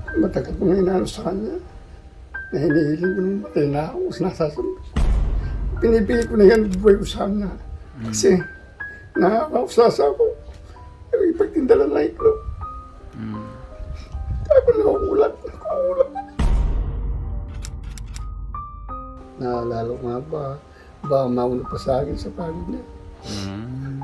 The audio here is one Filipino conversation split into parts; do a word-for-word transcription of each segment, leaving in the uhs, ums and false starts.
Matagal ko na inaano sa kanya. Na hinihiling ko nung matay na ako sa nasasunod. Pinipili ko na yan buhay ko sa kanya. Kasi nakakausasa ako. Ay, ipagtindala na iklog. Mm. Ako nakukulat. Nakukulat. Naalala ko nga ba, baka mauna pa sa akin sa pagod niya. Mm.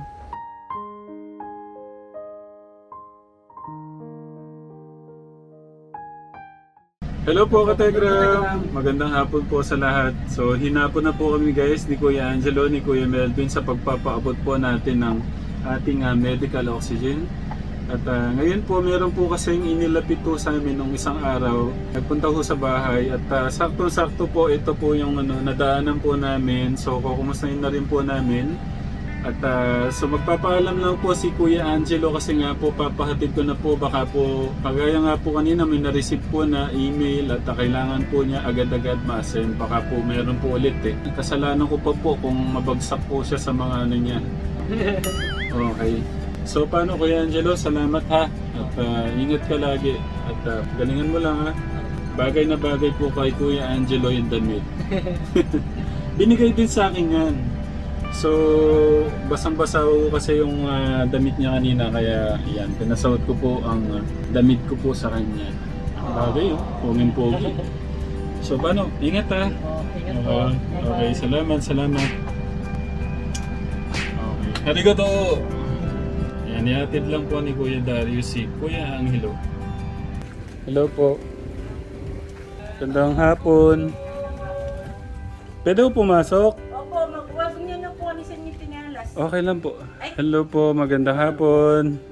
Hello po Kategram! Magandang hapon po sa lahat. So hinapon na po kami guys ni Kuya Angelo, ni Kuya Melvin sa pagpapaabot po natin ng ating uh, medical oxygen. At uh, ngayon po meron po kasing inilapit po sa amin nung isang araw. Nagpunta po sa bahay at uh, sakto-sakto po ito po yung ano, nadaanan po namin. So kukumustahin na rin po namin. At uh, so magpapaalam lang po si Kuya Angelo kasi nga po papahatid ko na po, baka po kagaya nga po kanina may na-receive po na email at uh, kailangan po niya agad-agad ma-send, baka po meron po ulit eh. Kasalanan ko pa po kung mabagsak po siya sa mga ano niya. Okay. So paano Kuya Angelo, salamat ha at uh, ingat ka lagi at uh, galingan mo lang ha. Bagay na bagay po kay Kuya Angelo yung damit. Binigay din sa akin yan. So, basang-basa ko kasi yung uh, damit niya kanina, kaya yan, pinasuot ko po ang uh, damit ko po sa kanya. Bagay oh, pongin-pogi. So, paano? Ingat ha? Ingat po. Okay, okay, salamat, salamat. Okay. Arigato! Yan, ihatid lang po ni Kuya Darius si Kuya Angelo. Hello po. Gandang hapon. Pwede po pumasok? Opo, magwag niyo na po ni Senyor Pinalas. Okay lang po. Hello po, magandang hapon.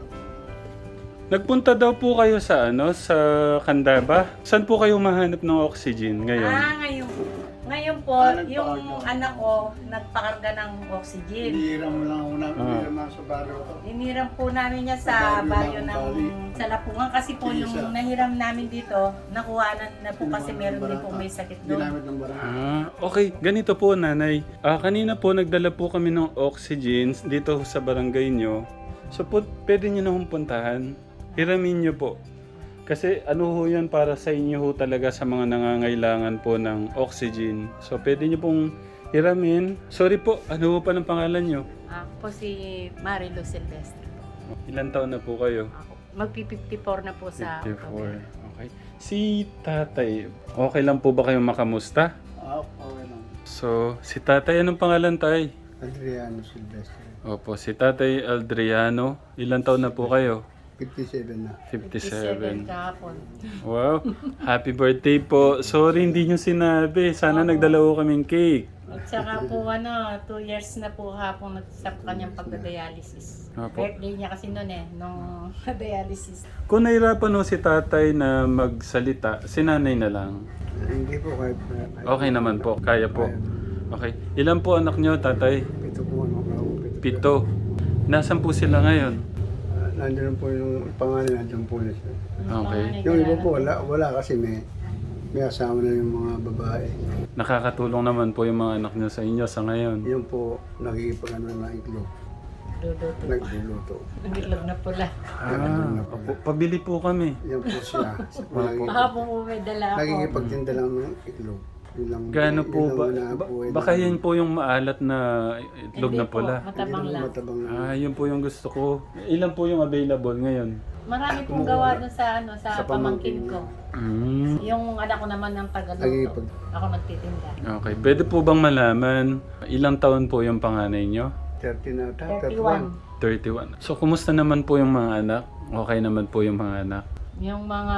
Nagpunta daw po kayo sa ano, sa Candaba. Saan po kayo mahanap ng oxygen ngayon? Ah, ngayon. Ngayon po, Ah, yung nagpakarga. anak ko nagpakarga ng oxygen. Hinihiram mo lang ako na, Ah. hinihiram lang sa baryo ko. Iniram po namin niya sa Sa baryo baryo ng ng Bali. Salapungan kasi po Isa. yung nahiram namin dito, nakuha na, na po kasi meron din po may sakit doon. Ginamit ng barangay. Ah, okay. Ganito po, nanay. Ah, kanina po nagdala po kami ng oxygen dito sa barangay nyo. So po, pwede nyo na hong puntahan. Hiramin nyo po. Kasi ano ho yan para sa inyo ho talaga sa mga nangangailangan po ng oxygen. So pwede nyo pong hiramin. Sorry po, ano ho pa ng pangalan nyo? Ako po si Marilo Silvestre. Ilan taon na po kayo? Ako, magpi-fifty-four na po sa fifty-four. Okay. Si tatay, okay lang po ba kayong makamusta? Ah, okay lang. So, si tatay, anong pangalan tay? Adriano Silvestre. Opo, si tatay Adriano. Ilan taon na po kayo? fifty-seven na. fifty-seven. kahapon. Wow, happy birthday po. Sorry, hindi nyo sinabi. Sana nagdala ko kaming cake. At saka po ano, two years na po hapon sa kanyang pagda-dialysis. Opo. Birthday niya kasi noon eh, nung dialysis. Kung nahirapan ho si tatay na magsalita, si nanay na lang. Eh, Hindi po kahit Okay naman po, kaya po. Okay. Ilan po anak nyo, tatay? Pito po ano ako. Pito. Pito. Nasaan po sila ngayon? Ah, Nandiyan po yung pangalan, nandiyan po na siya. Okay. Yung iba po wala, wala kasi may may asama na yung mga babae. Nakakatulong naman po yung mga anak nyo sa inyo sa ngayon. Yung po nagigipag ano na iklog. Luluto. Nagluluto. Nagilog na pula. Ah, opo, pabili po kami. Yan po siya. Nagigipag- Kahapon po may dala ako. Nagigipagtinda lang ng iklog. Yun lang, Gaano yun po lang ba? wala ba po, eh. baka yan po yung maalat na itlog Hindi na pula. Po, matabang Hindi lang. matabang lang. Ah, yun po yung gusto ko. Ilan po yung available ngayon? Marami pong gawa doon sa ano sa, Sa pamangkin pamangkin ko. Mm. Yung anak ko naman ng tagaluto. Nagigipag- Ako nagtitinda. Okay. Pwede po bang malaman ilang taon po yung panganay nyo? thirty na ata, thirty-one. thirty-one. So, kumusta naman po yung mga anak? Okay naman po yung mga anak? Yung mga,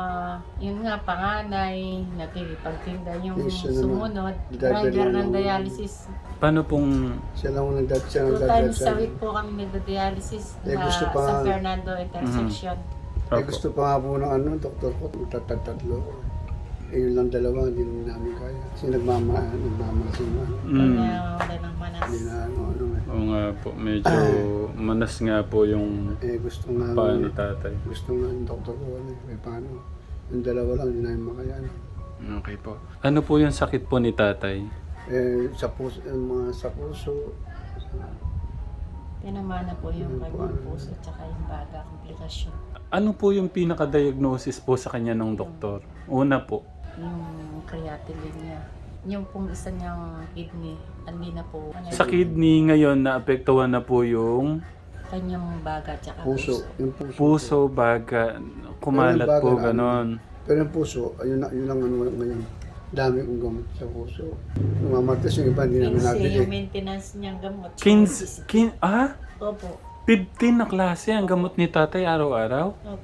yun nga, panganay, nakikipagtinda yung Yes, yun naman. sumunod, Dadala driver ng ng- dialysis. Paano pong... Siya lang ang nagdad siya Two nagdadad times a week po kami nagda-dialysis Eh, sa gusto pa San nga- Fernando Intersection. Eh, Opo. gusto pa nga po ng ano, doktor ko, tatatlo ko. Eh, yun lang dalawa, hindi namin kaya. Kasi nagmama, nagmamalasing na. Mm. Kanya wala ng manas. Hindi na ano, ano eh. Oo nga po. Medyo manas nga po yung Eh, gusto nga, paa ni tatay. gusto nga ng doktor ko, ano, eh, paano? Yung dalawa lang, hindi namin makayaan. Okay po. Ano po yung sakit po ni tatay? Eh, sa puso, eh, mga sa puso, sa, Tinamana po yung Ano po, kanyang ano? puso at saka yung baga, komplikasyon. Ano po yung pinaka-diagnosis po sa kanya ng doktor? Una po. Yung creatinine niya. Yung pong isa niyang kidney, hindi na po. Ano, Sa kidney ngayon, naapektuhan na po yung kanyang baga tsaka Puso. Yung puso. puso, baga, kumalat Ayun, baga po, na ano. ganon. Pero yung puso, ayun, na, yun ang ano ngayon. Dami kong gamot sa puso. Yung mamatas yung iba, hindi namin Kasi nabili. yung maintenance niyang gamot. Kins, kin, ah? Opo. fifteen na klase ang gamot ni tatay araw-araw? Opo.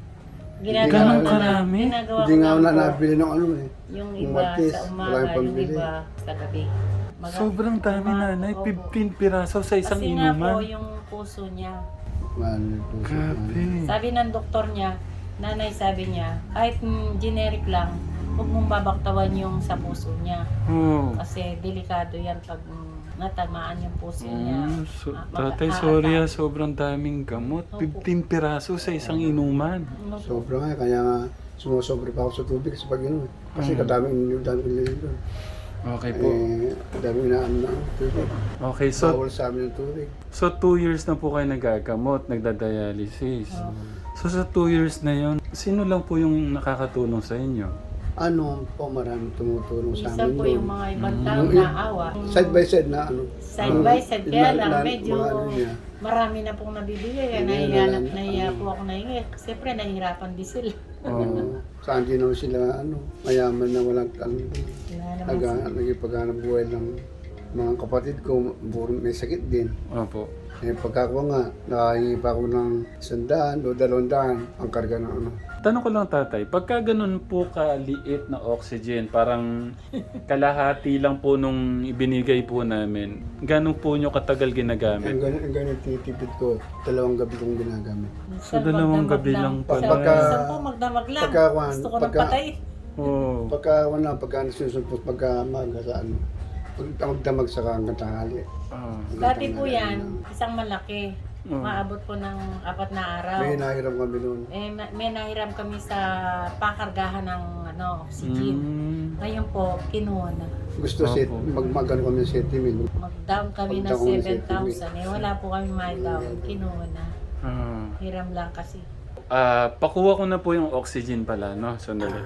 Ganun Ginagawa ko na, karami? ginagawa Hindi ko nga ako lang na po. nabili ng ano eh. Yung Yung iba Martes, sa wala umaga, yung yung pambili. iba sa gabi. Maga- Sobrang dami Uma- nanay, Opo. fifteen piraso sa isang Kasi nga po inuman. yung puso niya. Man, yung puso. Grabe. Sabi ng doktor niya, nanay sabi niya, kahit mm, generic lang, huwag mong babaktawan yung sa puso niya. Oh. Kasi delikado yan pag mm, natamaan yung puso niya. Mm, so, Ah, mag- tatay, ah, sorry ah, ah, sobrang daming gamot. Opo. fifteen piraso sa isang inuman. Ano po? Sobra nga, kaya nga sumusobra pa ako sa tubig sa pag ano eh. Kasi Mm. kadaming yung daming nililin doon. Okay po. Eh, daming inaan na ang tubig. Okay, so Bawal sa amin yung tubig. so two years na po kayo nagagamot, nagdadialysis. Oh. So sa two years na yon, sino lang po yung nakakatulong sa inyo? Ano po, marami tumutulong sa Isa amin po doon. yung mga ibang Mm. tao Yung- na awa. Side by side na ano. Side ano, by side. Kaya na- lang, na- medyo mga ano niya. marami na pong nabibigay. Kaya Hindi, nahiya, wala na- nahiya ano. po ako nahingi. Siyempre, nahihirapan din sila. Oo. Saan din naman sila, ano, mayaman na walang ano. Wala naman Nag, sila. nagipaghanap buhay ng mga kapatid ko, puro may sakit din. Opo. Eh, pagka ko nga, nakahingi pa ako ng sandaan o dalawang daan ang karga ng ano. Tanong ko lang tatay, pagka ganun po kaliit na oxygen, parang kalahati lang po nung ibinigay po namin, ganun po nyo katagal Ang ginagamit? ganyan, ang ganyan titipid ko, dalawang gabi kong ginagamit. So, dalawang magdamag gabi lang pala. Sa Pagka- minsan po, magdamag lang. pagka, kwan, Gusto ko nang pagka- patay. Oo. Pagka wala, pagka nasusumpos, pagka maga sa ano, pag magdamag sa hanggang tanghali. Ah. Dati po yan, isang malaki. Oo. Maabot po ng apat na araw. May nahiram kami noon. Eh, ma- may nahiram kami sa pakargahan ng ano, oxygen. Mm. Ngayon po, kinuha na. Gusto Opo. set, mag, magano kami ng seventy mil. Mag-down kami ng Mag-down kami ng seven thousand. Eh, wala po kami ma-down. Kinuha na. Ah. Hiram lang kasi. Ah, pakuha ko na po yung oxygen pala, no? Sandali.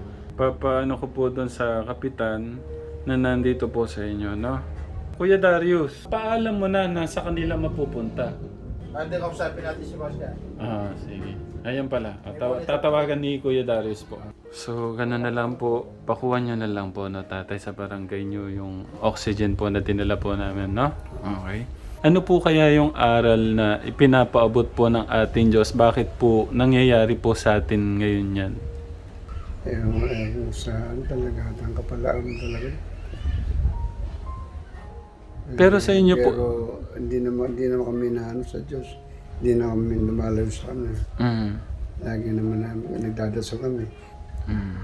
Papaano ko po doon sa kapitan na nandito po sa inyo, no? Kuya Darius, paalam mo na na sa kanila mapupunta. Hindi, kausapin natin si Marcia. Ah, sige. Ayan pala. Taw- tatawagan ni Kuya Darius po. So, gano'n na lang po. Pakuha nyo na lang po na tatay sa barangay nyo yung oxygen po na dinala po namin, no? Okay. Ano po kaya yung aral na ipinapaabot po ng ating Diyos? Bakit po nangyayari po sa atin ngayon yan? Eh, eh, yung sa ano talaga, ang kapalaan talaga. Pero sa inyo po... Pero hindi naman, hindi naman kami na ano sa Diyos. Hindi na kami lumalayo sa kanya. Mm. Lagi naman namin nagdadasal kami. Mm.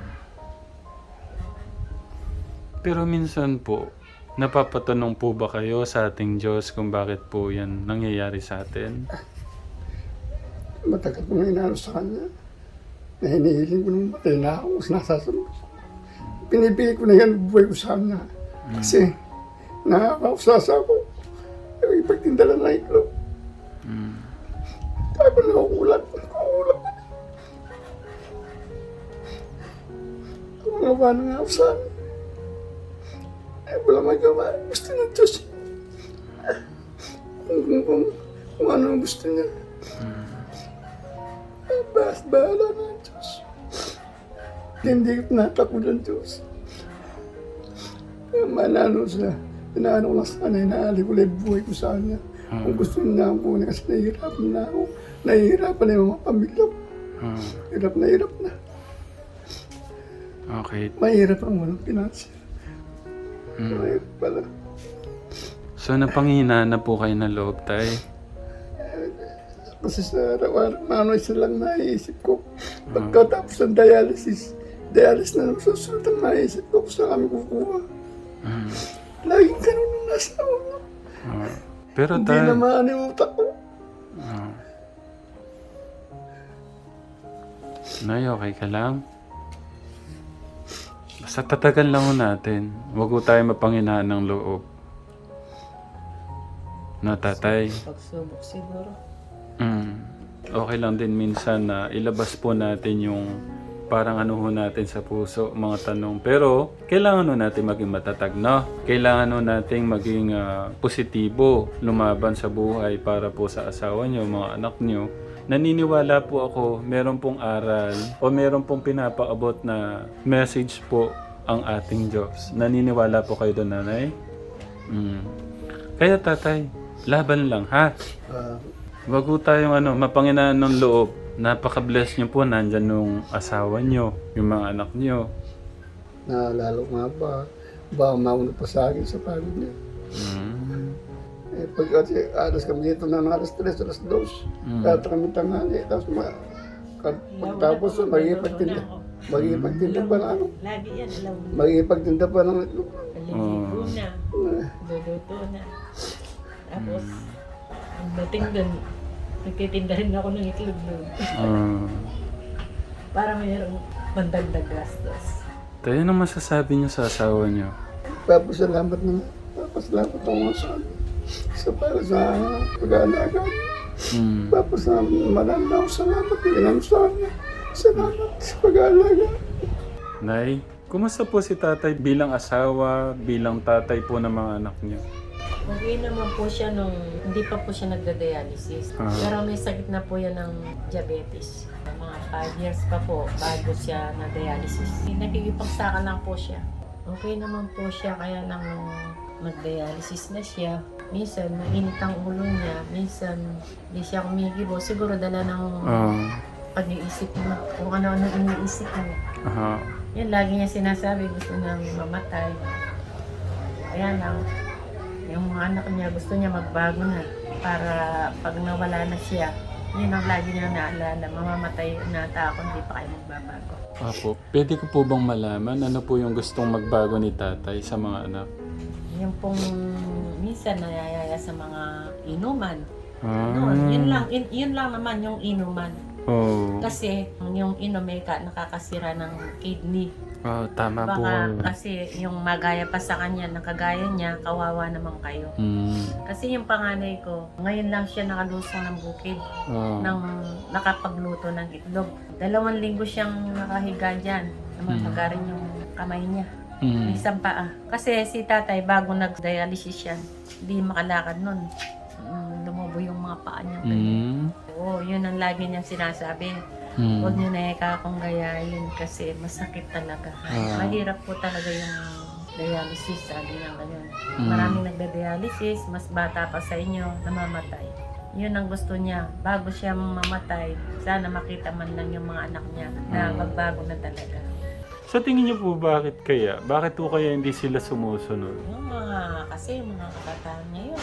Pero minsan po, napapatanong po ba kayo sa ating Diyos kung bakit po yan nangyayari sa atin? Matagal ko na inano sa kanya. Na hinihiling ko nung matay na ako, nasasunod. Pinipili ko na yan buhay ko sa kanya. Kasi nakakausasa ko. Yung ipagtindala na iklog. Mm. Kaya ko nakukulat. Nakukulat. Ang mga ba nang ausan? Eh, wala magawa. Gusto ng Diyos. Kung, kung, kung, kung ano ang gusto niya. Eh, bahas bahala na ang Diyos. Hindi ko tinatakbo ng Diyos. Kaya manano sila. Inaano ko lang sa kanya, inaali ko lang yung buhay ko sa kanya. Kung gusto niya ako na kasi nahihirapan na ako. Nahihirapan na yung mga pamilya ko. Ah, Hirap na hirap na. okay. Mahirap ang walang pinansin. Mm. Mahirap pala. So napanghinaan na po kayo ng loob, tay? Kasi sa araw-araw, ano isa lang naiisip ko. Pagkatapos ng dialysis, dialysis na naman susunod ang naiisip ko kung saan kami kukuha. Mm. Laging ganun ang nasa ulo. Ah. Pero Hindi tay... na maano yung utak ko. Ah. Nay, okay ka lang? Basta tatagan lang ho natin. Huwag ho tayo mapanghinaan ng loob. Na tatay. Pagsubok siguro. Mm. okay lang din minsan na ilabas po natin yung parang ano ho natin sa puso, mga tanong. Pero, kailangan ho natin maging matatag, no? Kailangan ho natin maging ah, positibo, lumaban sa buhay para po sa asawa nyo, mga anak nyo. Naniniwala po ako, meron pong aral o meron pong pinapaabot na message po ang ating Diyos. Naniniwala po kayo doon, nanay? Mm. Kaya tatay, laban lang, ha? Ah, Wag po tayong ano, mapanginaan ng loob. Napaka-bless nyo po, nandyan nung asawa nyo, yung mga anak nyo. naalala ko nga ba, ba mauna pa sa akin sa pagod niya. Mm. Eh, pag kasi alas kami dito ng alas tres, alas dos, Mm. Tata kami tanghali, tapos ma, ka- pagtapos magigipagtinda, magigipagtinda pa ng ano, Lagi yan, alam mo. magigipagtinda pa ng itlog. Paliligo na, luluto na. Tapos, ang dating dun, nagtitinda rin ako ng itlog doon. Ah. Para mayroong mandagdag gastos. Tayo na masasabi nyo sa asawa nyo. Papasalamat na, papasalamat ako nga sa sa para sa pag-aalaga. Mm. Papasalamat, marami na ako salamat, ilang sa kanya. Salamat sa pag-aalaga. Nay, kumusta po si tatay bilang asawa, bilang tatay po ng mga anak niyo? Okay naman po siya nung hindi pa po siya nagda-dialysis. Ah. Pero may sakit na po yan ng diabetes. Mga five years pa po bago siya na-dialysis. Nakikipagsakan lang po siya. Okay naman po siya kaya nang mag-dialysis na siya. Minsan mainit ang ulo niya, minsan hindi siya kumikibo. Siguro dala ng Ah. pag-iisip niya, kung ano-ano iniisip niya. Aha. Yan, lagi niya sinasabi, gusto niyang mamatay. Kaya lang, yung mga anak niya, gusto niya magbago na. Para pag nawala na siya, yun ang lagi niya naalala, mamamatay na ako, hindi pa kayo magbabago. Apo, pwede ko po bang malaman ano po yung gustong magbago ni tatay sa mga anak? Yung pong minsan nayayaya sa mga inuman. Ah. Noon, yun lang, yun, yun lang naman yung inuman. Oh. Kasi yung inom ay ka- nakakasira ng kidney. Oh, tama po. Baka kasi yung magaya pa sa kanya, nakagaya niya, kawawa naman kayo. Mm. Kasi yung panganay ko, ngayon lang siya nakalusong ng bukid, Oh. ng nakapagluto ng itlog. Dalawang linggo siyang nakahiga dyan, namamaga rin yung kamay niya. Mm. May isang paa. Kasi si tatay, bago nag-dialysis siya, hindi makalakad nun. Mm, Lumubo yung mga paa niya. Mm. Oo, yun ang lagi niyang sinasabi. Mm. Huwag niyo na ikakong gayahin kasi masakit talaga. Ah. Mahirap po talaga yung dialysis, sabi niya ganyan. Mm. Maraming nagda-dialysis, mas bata pa sa inyo, namamatay. Yun ang gusto niya. Bago siya mamatay, sana makita man lang yung mga anak niya na Mm. magbago na talaga. Sa tingin niyo po bakit kaya? Bakit po kaya hindi sila sumusunod? Yung mga, kasi yung mga kabataan ngayon,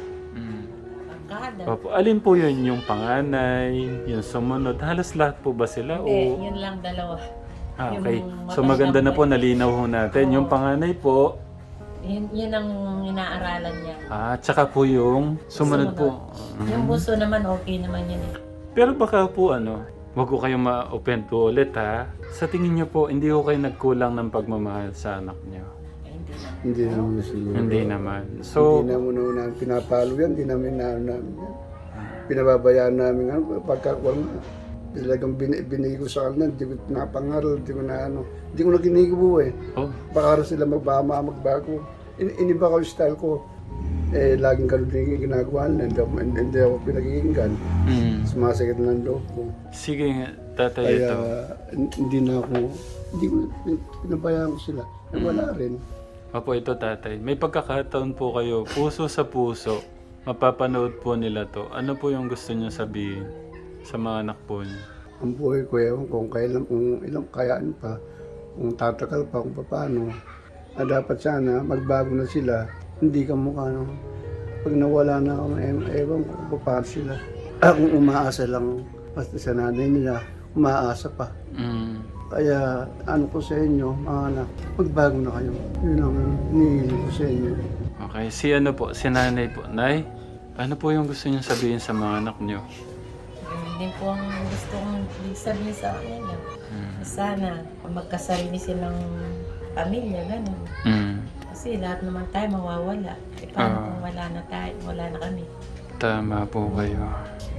Mm. pagkada. Opo, alin po yun? Yung panganay, yung sumunod? Halos lahat po ba sila? Hindi, O... yun lang dalawa. Ah, yung okay. So magandang maganda na po, buhay. nalinaw ho natin. Oo. Yung panganay po, Yun, yun ang inaaralan niya. ah, tsaka po yung sumunod po. Yung Mhm. buso naman, okay naman yun eh. Pero baka po ano, wag ko kayong ma-open po ulit ha. Sa tingin niyo po, hindi ko kayo nagkulang ng pagmamahal sa anak niyo? Eh, hindi na. Hindi naman siguro. Hindi naman. hindi So, naman una pinapalo yan, hindi namin na namin yan. Pinababayaan namin ano, pagka wala, talagang bin, binigay ko sa kanila, hindi ko pinapangaral, hindi ko na ano, hindi ko na ginigibo eh. oh, Baka sila magbama, magbago. In, iniba ko yung style ko. Eh, laging ganun din yung ginagawa nila, hindi, ako- hindi, hindi ako pinagiginggan. mm. Sumasakit na ng loob ko. Sige nga, tatay Kaya ito. hin- hindi na ako, hindi ko, pin- pinabayaan ko sila. Eh, wala rin. Opo, ito tatay. May pagkakataon po kayo, puso sa puso. Mapapanood po nila to. Ano po yung gusto niyo sabihin sa mga anak po niyo? Ang buhay ko, ewan ko kung kailan, kung ilang kayaan pa, kung tatakal pa, kung paano. Na dapat sana, magbago na sila, hindi ka mukha, no? Pag nawala na ako, ewan, ewan ko kung paano sila. Ah, kung umaasa lang, basta sa nanay nila, umaasa pa. Mm. Kaya, ano ko sa inyo, mga anak, magbago na kayo. Yun ang hinihiling ko sa inyo. Okay, si ano po, si nanay po. Nay, ano po yung gusto niyo sabihin sa mga anak niyo? Yun din po ang gusto kong sabihin sa akin. Mm. Sana magkasarili silang pamilya, gano'n. Mm. Kasi lahat naman tayo mawawala. E paano Ah. kung wala na tayo, wala na kami? Tama po kayo.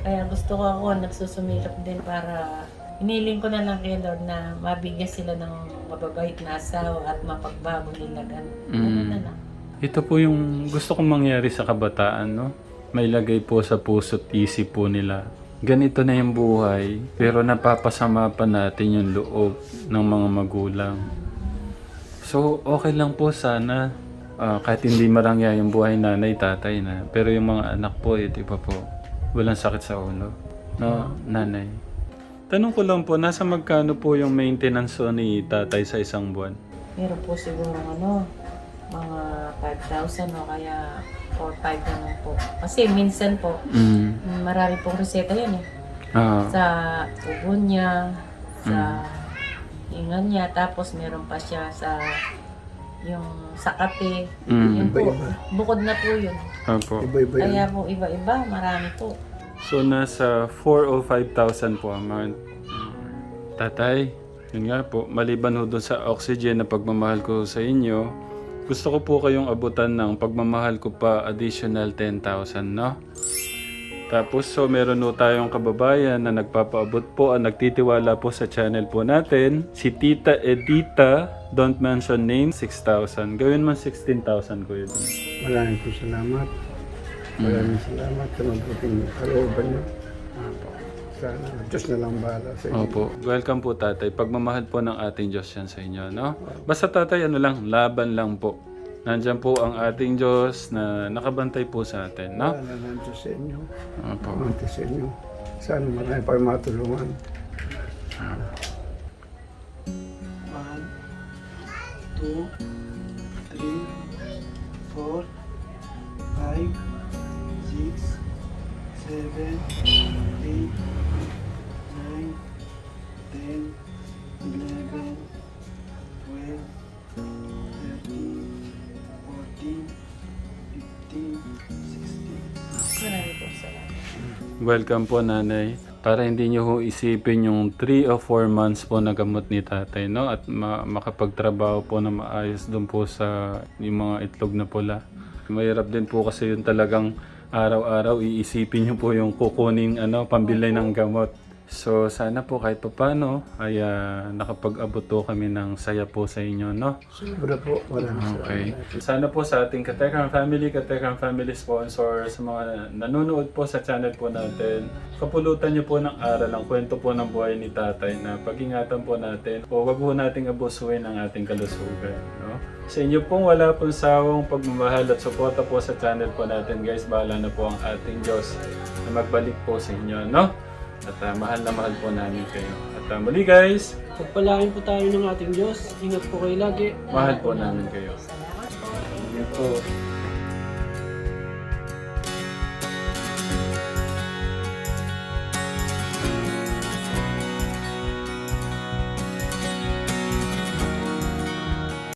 Kaya gusto ko ako, nagsusumilap din para iniling ko na lang kay Lord na mabigyan sila ng mababait na asawa at mapagbago nila. Ganun Mm. na lang. Ito po yung gusto kong mangyari sa kabataan, no? May lagay po sa puso't isip po nila. Ganito na yung buhay, pero napapasama pa natin yung loob ng mga magulang. So, okay lang po sana, ah, kahit hindi marangya yung buhay nanay, tatay na. Pero yung mga anak po, eh, di ba po, walang sakit sa ulo. No, nanay. Tanong ko lang po, nasa magkano po yung maintenance po ni tatay sa isang buwan? Meron po siguro ano, mga five thousand o kaya four five naman po. Kasi minsan po, Mm. marami pong reseta yan eh. Ah. Sa ubo niya, sa ingan niya, tapos meron pa siya sa yung sa kape. Mm. Yun po, Iba-iba. bukod na po yun. Opo. Iba-iba yun. Kaya po iba-iba, marami po. So, nasa four o five thousand po a month. Tatay, yun nga po, maliban ho doon sa oxygen na pagmamahal ko sa inyo, gusto ko po kayong abutan ng pagmamahal ko pa additional ten thousand, no? Tapos, so meron ho tayong kababayan na nagpapaabot po, ang nagtitiwala po sa channel po natin, si Tita Edita, don't mention name, six thousand. Gawin man sixteen thousand ko yun. Maraming po salamat. Maraming salamat sa mabuting kalooban niyo. Sana, Diyos na lang bahala sa inyo. Opo. Welcome po tatay. Pagmamahal po ng ating Diyos yan sa inyo, no? Basta tatay, ano lang, laban lang po. Nandyan po ang ating Diyos na nakabantay po sa atin, no? Wala na Diyos sa inyo. Opo. Pamante sa inyo. Sana marami pa matulungan. One, two, three, four, five, six, seven, eight, nine, ten, eleven, twelve, thirteen, fourteen, fifteen, sixteen. Marami po salamat. Welcome po nanay. Para hindi nyo ho isipin yung three o four months po na gamot ni tatay, no? At ma- makapagtrabaho po na maayos doon po sa yung mga itlog na pula. Mahirap din po kasi yung talagang araw-araw iisipin nyo po yung kukunin ano, pambili ng gamot. So sana po kahit paano ay ah, nakapag-abot po kami ng saya po sa inyo, no? Sobra po. Maraming Okay. salamat. Sana po sa ating Katekram Family, Katekram Family sponsor, sa mga nanonood po sa channel po natin, kapulutan niyo po ng aral ang kwento po ng buhay ni tatay na pag-ingatan po natin o wag po nating abusuin ang ating kalusugan. No? Sa inyo pong wala pong sawang pagmamahal at suporta po sa channel po natin guys, bahala na po ang ating Diyos na magbalik po sa inyo. No? At ah, mahal na mahal po namin kayo. At ah, muli guys, Pagpalain po tayo ng ating Diyos. Ingat po kayo lagi. mahal po namin kayo. Salamat po. Ingat po.